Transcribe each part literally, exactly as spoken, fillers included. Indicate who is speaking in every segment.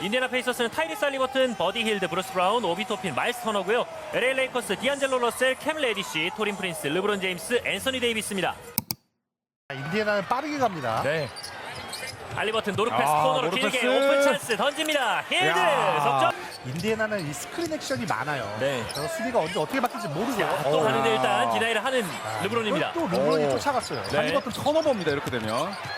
Speaker 1: 인디애나 페이서스는 타이리스 할리버튼, 버디 힐드, 브루스 브라운, 오비 토핀, 마일스 터너고요. 엘에이 레이커스, 디안젤로 러셀, 캠 레디시, 토린 프린스, 르브론 제임스, 앤서니 데이비스입니다.
Speaker 2: 인디애나는 빠르게 갑니다.
Speaker 1: 네. 할리버튼 노르 패스
Speaker 3: 아,
Speaker 1: 코너로
Speaker 3: 노르
Speaker 1: 길게
Speaker 3: 패스.
Speaker 1: 오픈 찬스 던집니다. 힐드 석점.
Speaker 2: 인디애나는 이 스크린 액션이 많아요.
Speaker 1: 네.
Speaker 2: 그래서 수비가 언제 어떻게 바뀔지 모르고.
Speaker 1: 자, 또
Speaker 2: 어.
Speaker 1: 하는데 일단 디나이를 하는 르브론입니다.
Speaker 2: 또 르브론이
Speaker 3: 오.
Speaker 2: 쫓아갔어요.
Speaker 1: 네.
Speaker 3: 할리버튼 턴오버입니다. 이렇게 되면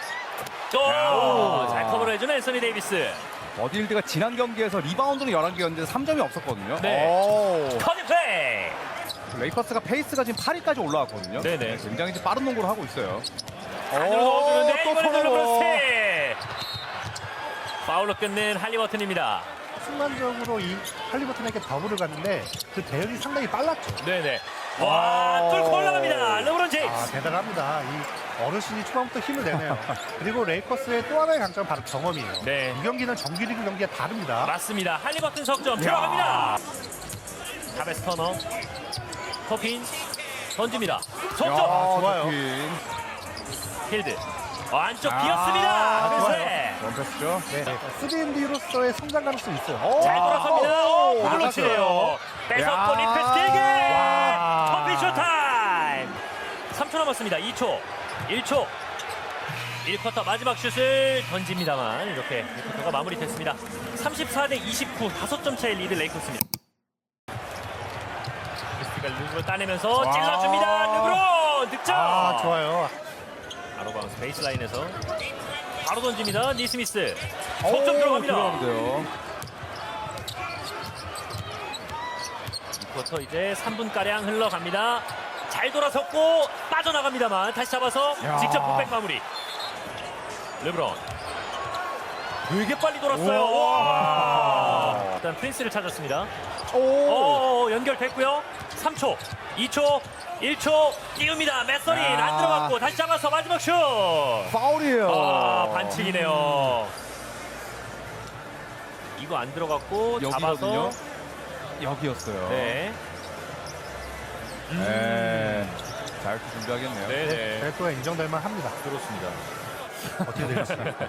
Speaker 1: 오! 잘 커버를 해주는 앤서니 데이비스.
Speaker 3: 버디힐드가 지난 경기에서 리바운드는 열한 개였는데 삼 점이 없었거든요.
Speaker 1: 네.
Speaker 3: 오.
Speaker 1: 커닝 플레이.
Speaker 3: 레이커스가 페이스가 지금 팔 위까지 올라왔거든요.
Speaker 1: 네네.
Speaker 3: 굉장히 이제 빠른 농구를 하고 있어요.
Speaker 1: 안으로 넣어주는데
Speaker 3: 또
Speaker 1: 이번에도
Speaker 3: 턴오버.
Speaker 1: 르브론 스틸. 파울로 끝낸 할리버튼입니다.
Speaker 2: 순간적으로 이 할리버튼에게 더블을 갔는데 그 대응이 상당히 빨랐죠.
Speaker 1: 네네. 와, 뚫고 올라갑니다. 르브론
Speaker 2: 아,
Speaker 1: 제임스.
Speaker 2: 대단합니다. 이 어르신이 초반부터 힘을 내네요. 그리고 레이커스의 또 하나의 강점은 바로 경험이에요.
Speaker 1: 네.
Speaker 2: 이 경기는 정규리그 경기가 다릅니다.
Speaker 1: 맞습니다. 할리버튼 석점 들어갑니다. 타베스 터너. 토핀 던집니다. 석점.
Speaker 3: 야,
Speaker 2: 좋아요.
Speaker 3: 토핀.
Speaker 1: 힐드. 어, 안쪽
Speaker 3: 아,
Speaker 1: 비었습니다.
Speaker 2: 좋아요.
Speaker 1: 그래.
Speaker 3: 원패스죠.
Speaker 2: 네. 쓰리앤디로서의 성장 가능성이 있어요.
Speaker 1: 잘
Speaker 3: 와.
Speaker 1: 돌아섭니다.
Speaker 3: 오,
Speaker 1: 오블로치네요. 뺏었고
Speaker 3: 야.
Speaker 1: 리패스 길게.
Speaker 3: 와.
Speaker 1: 토핀 쇼타임. 삼 초 남았습니다. 이 초. 일 초. 일 쿼터 마지막 슛을 던집니다만 이렇게 일 쿼터가 마무리됐습니다. 삼십사 대 이십구 다섯 점 차의 리드 레이커스입니다. 크리스티가 르브론 따내면서
Speaker 3: 와.
Speaker 1: 찔러줍니다. 르브론 득점.
Speaker 2: 아, 좋아요.
Speaker 1: 바로 바운스 베이스라인에서 바로 던집니다. 니스미스
Speaker 3: 오,
Speaker 1: 석점 들어갑니다.
Speaker 3: 들어가는데요.
Speaker 1: 이 쿼터 이제 삼 분가량 흘러갑니다. 잘 돌아섰고 빠져나갑니다만 다시 잡아서
Speaker 3: 야.
Speaker 1: 직접 풋백 마무리. 르브론 되게 빨리 돌았어요.
Speaker 3: 우와.
Speaker 1: 와. 일단 프린스를 찾았습니다.
Speaker 3: 오.
Speaker 1: 오, 연결됐고요. 삼 초, 이 초, 일 초 띄웁니다. 메서린
Speaker 3: 야.
Speaker 1: 안 들어갔고 다시 잡아서 마지막 슛.
Speaker 3: 파울이에요.
Speaker 1: 아, 반칙이네요. 이거 안 들어갔고
Speaker 3: 여기거든요.
Speaker 1: 잡아서
Speaker 3: 여기였어요.
Speaker 1: 네.
Speaker 3: 네. 잘 준비하겠네요.
Speaker 1: 네네.
Speaker 2: 벨토가 인정될 만 합니다.
Speaker 1: 그렇습니다.
Speaker 2: 어떻게 되겠습니까?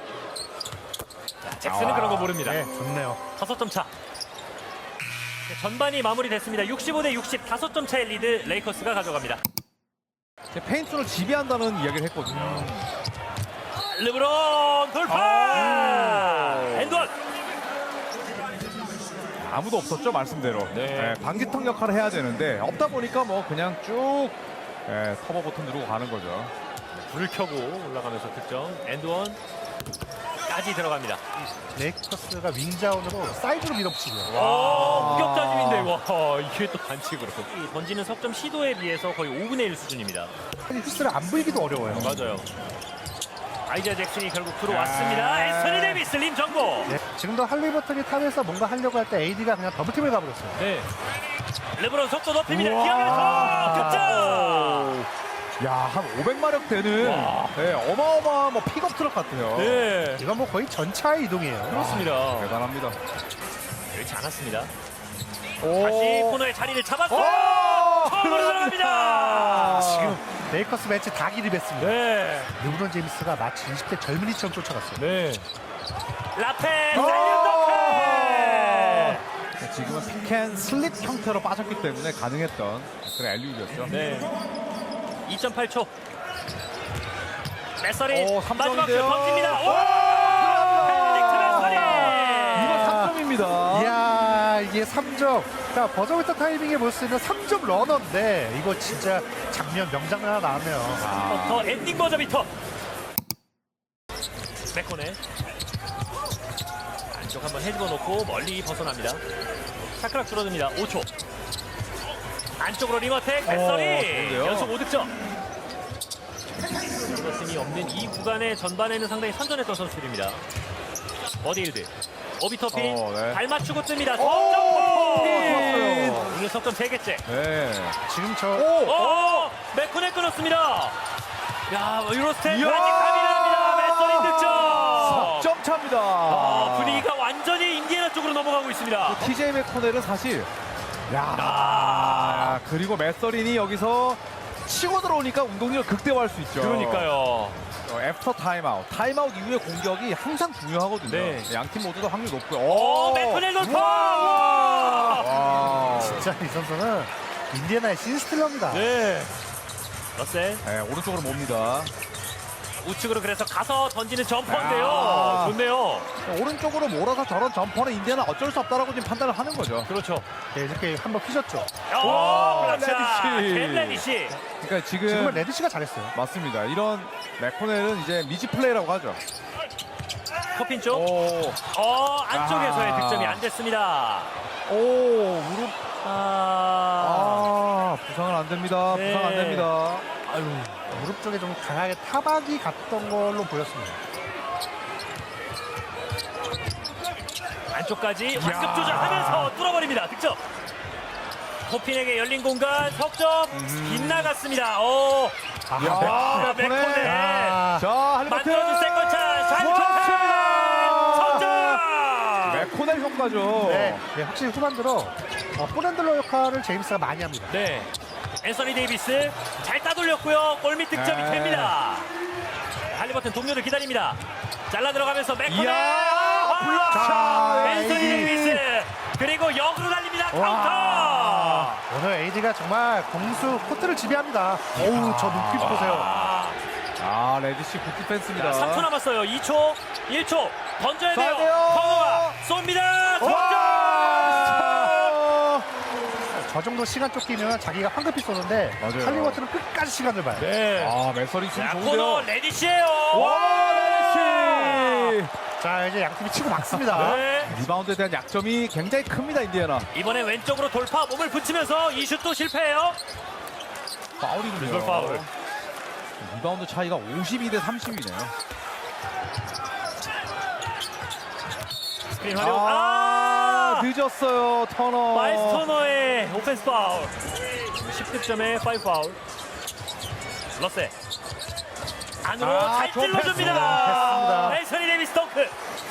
Speaker 1: 잭슨은
Speaker 3: 아,
Speaker 1: 그런 거 모릅니다.
Speaker 2: 네, 좋네요.
Speaker 1: 다섯 점 차. 네, 전반이 마무리됐습니다. 육십오 대 육십 다섯 점 차의 리드 레이커스가 가져갑니다.
Speaker 3: 페인트를 지배한다는 이야기를 했거든요.
Speaker 1: 르브론 돌파!
Speaker 3: 아.
Speaker 1: 엔드원!
Speaker 3: 아무도 없었죠, 말씀대로.
Speaker 1: 네.
Speaker 3: 네, 방지턱 역할을 해야 되는데 없다 보니까 뭐 그냥 쭉 네, 터보 버튼 누르고 가는 거죠.
Speaker 1: 불을 켜고 올라가면서 득점. 엔드원까지 들어갑니다.
Speaker 2: 레이커스가 윙자운으로 사이드로 밀어붙이고요.
Speaker 1: 와, 무격자짐인데 와 이게 또 반칙으로. 이 던지는 석점 시도에 비해서 거의 오분의 일 수준입니다.
Speaker 2: 휘스를 안 보이기도 어려워요.
Speaker 1: 맞아요. 아이자 잭슨이 결국 들어왔습니다.
Speaker 3: 네.
Speaker 1: 앤서니 데이비스 림 정보.
Speaker 2: 네, 지금도 할리버튼이 탑에서 뭔가 하려고 할 때 에이디가 그냥 더블팀을 가버렸어요.
Speaker 1: 네. 르브론 속도 높입니다.
Speaker 3: 우와.
Speaker 1: 기어면서 득점.
Speaker 3: 야, 한 오백 마력 되는
Speaker 1: 와.
Speaker 3: 네, 어마어마한 뭐 픽업 트럭 같아요.
Speaker 1: 네.
Speaker 2: 이건 뭐 거의 전차의 이동이에요.
Speaker 1: 그렇습니다.
Speaker 3: 대단합니다.
Speaker 1: 그렇지 않았습니다.
Speaker 3: 오.
Speaker 1: 다시 코너의 자리를 잡았어요.
Speaker 3: 오!
Speaker 1: 처음으로 들어갑니다.
Speaker 2: 지금 레이커스 매치 다 기립했습니다.
Speaker 1: 네.
Speaker 2: 르브론 제임스가 마치 이십 대 젊은이처럼 쫓아갔어요.
Speaker 1: 네. 라페
Speaker 3: 오!
Speaker 1: 사이드 덩크.
Speaker 3: 지금은 픽앤 슬립 형태로 빠졌기 때문에 가능했던 그런 엘리웁이었죠.
Speaker 1: 네. 이 점 팔 초. 메서린
Speaker 3: 오,
Speaker 1: 마지막 슛
Speaker 3: 삼 점인데요.
Speaker 1: 던집니다. 오! 펜딕트 메서린.
Speaker 3: 이거 삼 점입니다.
Speaker 2: 이야, 이게 삼 점. 자, 버저비터 타이밍에 볼 수 있는 삼 점 러너인데 이거 진짜 장면, 명장면 하나 나왔네요.
Speaker 3: 아,
Speaker 1: 더 엔딩 버저 비터. 백코네. 안쪽 한번 헤집어 놓고 멀리 벗어납니다. 샤크락 줄어듭니다. 오 초. 안쪽으로 리머텍 메서린
Speaker 3: 좋은데요?
Speaker 1: 연속 오 득점. 그것이 없는 이 구간의 전반에는 상당히 선전했던 선수들입니다. 버디힐드, 오비터핀
Speaker 3: 어, 네.
Speaker 1: 발 맞추고 뜹니다.
Speaker 3: 오,
Speaker 1: 석점!
Speaker 3: 좋았어요.
Speaker 1: 오늘 석점 세 개째.
Speaker 3: 네.
Speaker 2: 지금 저
Speaker 3: 오!
Speaker 1: 오! 맥코네 끊었습니다. 야, 유로스텝
Speaker 3: 이야!
Speaker 1: 아직 가미납니다. 메서린 득점.
Speaker 3: 점 차입니다.
Speaker 1: 아, 분위기가 완전히 인디애나 쪽으로 넘어가고 있습니다.
Speaker 3: 티제이 맥코넬은 사실 야,
Speaker 1: 아.
Speaker 3: 그리고 메서린이 여기서 치고 들어오니까 운동량을 극대화할 수 있죠.
Speaker 1: 그러니까요.
Speaker 3: 어, 애프터 타임아웃. 타임아웃 이후의 공격이 항상 중요하거든요.
Speaker 1: 네.
Speaker 3: 양 팀 모두 다 확률 높고요.
Speaker 1: 오, 맥커넬 돌파! 와!
Speaker 3: 와.
Speaker 2: 진짜 이 선수는 인디애나의 신스틸러입니다.
Speaker 1: 네. 러셀
Speaker 3: 네, 오른쪽으로 mov니다.
Speaker 1: 우측으로 그래서 가서 던지는 점퍼인데요.
Speaker 3: 아.
Speaker 1: 좋네요.
Speaker 3: 오른쪽으로 몰아서 저런 점퍼는 인디애나 어쩔 수 없다라고 지금 판단을 하는 거죠.
Speaker 1: 그렇죠.
Speaker 2: 네, 이렇게 한번 휘졌죠.
Speaker 1: 오, 블락샷.
Speaker 3: 레디시.
Speaker 1: 켄 레디시.
Speaker 3: 그러니까 지금
Speaker 2: 지금은 레드시가 잘했어요.
Speaker 3: 맞습니다. 이런 맥코넬은 이제 미지 플레이라고 하죠.
Speaker 1: 커핀 쪽.
Speaker 3: 오,
Speaker 1: 어, 안쪽에서의
Speaker 3: 아.
Speaker 1: 득점이 안 됐습니다.
Speaker 3: 오, 무릎.
Speaker 1: 아.
Speaker 3: 아, 부상은 안 됩니다.
Speaker 1: 네.
Speaker 3: 부상 안 됩니다.
Speaker 2: 아유, 무릎 쪽에 좀 강하게 타박이 갔던 걸로 보였습니다.
Speaker 1: 안쪽까지 완급 조절하면서 뚫어버립니다. 득점. 코핀에게 열린 공간 석점 빗나갔습니다. 오,
Speaker 2: 아,
Speaker 3: 야,
Speaker 1: 아,
Speaker 3: 맥코넬.
Speaker 1: 맥코넬.
Speaker 2: 아,
Speaker 3: 자, 할리버튼.
Speaker 1: 만들어준 세컨차 샤이컨차 석점.
Speaker 3: 맥코넬 효과죠.
Speaker 2: 네, 네, 확실히 후반 들어 어, 볼핸들러 역할을 제임스가 많이 합니다.
Speaker 1: 네, 앤서니 데이비스 잘 따돌렸고요. 골밑 득점이
Speaker 3: 네.
Speaker 1: 됩니다. 할리버튼 동료를 기다립니다. 잘라 들어가면서 맥코넬.
Speaker 3: 이야,
Speaker 1: 아,
Speaker 3: 블락샷.
Speaker 1: 앤서니
Speaker 2: 에이디.
Speaker 1: 데이비스 그리고 역으로 달립니다.
Speaker 2: 와.
Speaker 1: 카운터.
Speaker 2: 오늘 에이디가 정말 공수 코트를 지배합니다. 어우, 저 눈빛 보세요.
Speaker 1: 아,
Speaker 3: 아, 레디시 굿 디펜스입니다.
Speaker 1: 자, 삼 초 남았어요. 이 초, 일 초 던져야 돼요.
Speaker 3: 쏴야 돼요.
Speaker 1: 커버가 쏩니다. 석점.
Speaker 3: 와!
Speaker 2: 저 정도 시간 쫓기면 자기가 황급히 쏘는데
Speaker 3: 맞아요.
Speaker 2: 할리버튼은 끝까지 시간을 봐요.
Speaker 1: 네.
Speaker 3: 아, 메서리 춤
Speaker 1: 자, 코너
Speaker 3: 좋은데요.
Speaker 1: 레디시예요.
Speaker 3: 와, 레디시!
Speaker 2: 자, 이제 양팀이 치고 막습니다.
Speaker 1: 네.
Speaker 3: 리바운드에 대한 약점이 굉장히 큽니다, 인디애나.
Speaker 1: 이번에 왼쪽으로 돌파 몸을 붙이면서 이 슛도 실패해요.
Speaker 3: 파울이군요.
Speaker 1: 리졸 파울.
Speaker 3: 리바운드 차이가 오십이 대 삼십이네요.
Speaker 1: 스크린 활용.
Speaker 3: 아,
Speaker 1: 아!
Speaker 3: 늦었어요, 터너.
Speaker 1: 마일스 터너의 오펜스 파울. 십 득점에 오 파울. 러셀. 안으로
Speaker 3: 아,
Speaker 1: 잘
Speaker 3: 좋은
Speaker 1: 찔러줍니다.
Speaker 2: 패스입니다.
Speaker 1: 앤서니 데이비스 덩크.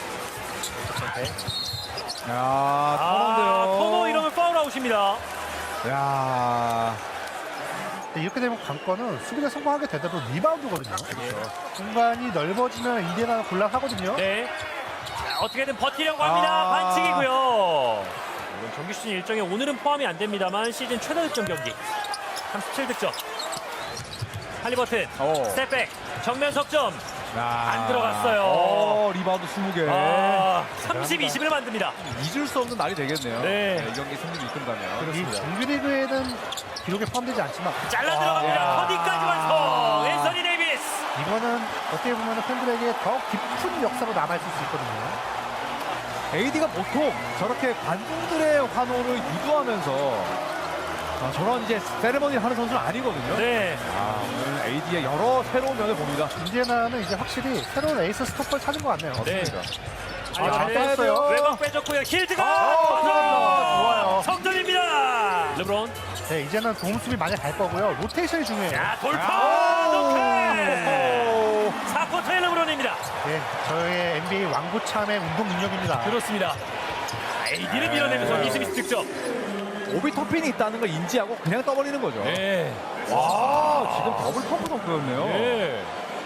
Speaker 3: 야,
Speaker 1: 아,
Speaker 3: 터너인데요.
Speaker 1: 터너 이러면 파울 아웃입니다.
Speaker 3: 야,
Speaker 2: 네, 이렇게 되면 관건은 수비가 성공하게 되더라도 리바운드거든요. 공간이 넓어지면 인디애나가 곤란하거든요.
Speaker 1: 네. 자, 어떻게든 버티려고 합니다.
Speaker 3: 아.
Speaker 1: 반칙이고요. 물론 정규 시즌 일정에 오늘은 포함이 안 됩니다만 시즌 최다 득점 경기. 삼십칠 득점. 할리버튼
Speaker 3: 오.
Speaker 1: 스텝백 정면 석점.
Speaker 3: 야.
Speaker 1: 안 들어갔어요.
Speaker 3: 어, 리바운드 스무 개.
Speaker 1: 아, 삼십, 이십을 만듭니다.
Speaker 3: 잊을 수 없는 날이 되겠네요.
Speaker 1: 네.
Speaker 3: 이 경기 승리를 이끈다면.
Speaker 2: 이 정규리그에는 기록에 포함되지 않지만
Speaker 1: 잘라
Speaker 3: 야.
Speaker 1: 들어갑니다. 허디까지 완성. 앤서니 데이비스.
Speaker 2: 이거는 어떻게 보면 팬들에게 더 깊은 역사로 남아있을 수 있거든요.
Speaker 3: 에이디가 보통 저렇게 관중들의 환호를 유도하면서 아, 저런 이제 세레머니를 하는 선수는 아니거든요.
Speaker 1: 네.
Speaker 3: 아, 오늘 에이디의 여러 새로운 면을 봅니다.
Speaker 2: 인디애나는 이제 확실히 새로운 에이스 스토퍼를 찾은 것 같네요.
Speaker 1: 네.
Speaker 3: 아, 잘 따야 돼요.
Speaker 1: 외곽 빼줬고요. 힐드가
Speaker 3: 아,
Speaker 1: 터져!
Speaker 2: 들어간다. 좋아요.
Speaker 1: 석점입니다. 르브론.
Speaker 2: 네, 이제는 도움 수비 많이 갈 거고요. 로테이션이 중요해요.
Speaker 1: 야, 돌파!
Speaker 3: 아,
Speaker 1: 덩크! 사 쿼터의 르브론입니다.
Speaker 2: 네, 저의 엔비에이 왕구참의 운동 능력입니다.
Speaker 1: 그렇습니다. 에이디를 밀어내면서
Speaker 3: 네.
Speaker 1: 이스미스 득점.
Speaker 3: 오비 터핀이 있다는 걸 인지하고 그냥 떠버리는 거죠.
Speaker 1: 네.
Speaker 3: 와, 지금 더블 펌프 덩크였네요.
Speaker 1: 네.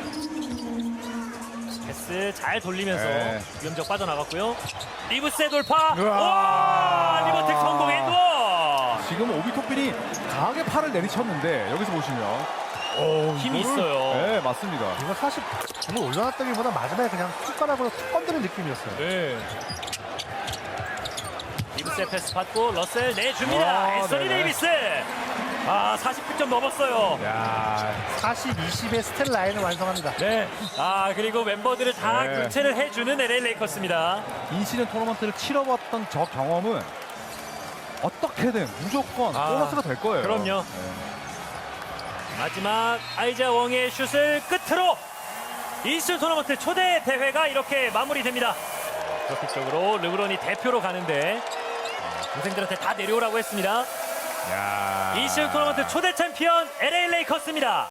Speaker 1: 패스 잘 돌리면서
Speaker 3: 네.
Speaker 1: 위험적 빠져나갔고요. 리브스의 돌파.
Speaker 3: 우와.
Speaker 1: 와, 리버텍 성공 엔드원.
Speaker 3: 지금 오비 토핀이 강하게 팔을 내리쳤는데 여기서 보시면 오,
Speaker 1: 힘이
Speaker 3: 이거를-
Speaker 1: 있어요.
Speaker 3: 네, 맞습니다.
Speaker 2: 이거 사실 공을 올려놨다기보다 마지막에 그냥 손가락으로 툭 건드는 느낌이었어요.
Speaker 1: 네. 리브스의 패스 받고 러셀 내줍니다.
Speaker 3: 아,
Speaker 1: 앤서니
Speaker 3: 네네.
Speaker 1: 데이비스. 아, 사십 득점 넘었어요.
Speaker 3: 야,
Speaker 2: 사십, 이십의 스텔 라인을 완성합니다.
Speaker 1: 네. 아, 그리고 멤버들을 다
Speaker 3: 네.
Speaker 1: 교체를 해주는 엘에이 레이커스입니다.
Speaker 3: 인시즌 토너먼트를 치러봤던 저 경험은 어떻게든 무조건
Speaker 1: 아,
Speaker 3: 보너스가 될 거예요.
Speaker 1: 그럼요.
Speaker 3: 네.
Speaker 1: 마지막 아이자 웡의 슛을 끝으로 이슈 토너먼트 초대 대회가 이렇게 마무리됩니다. 적극적으로 르브론이 대표로 가는데 동생들한테 다 내려오라고 했습니다.
Speaker 3: 야.
Speaker 1: 이슈 토너먼트 초대 챔피언 엘에이 레이커스입니다.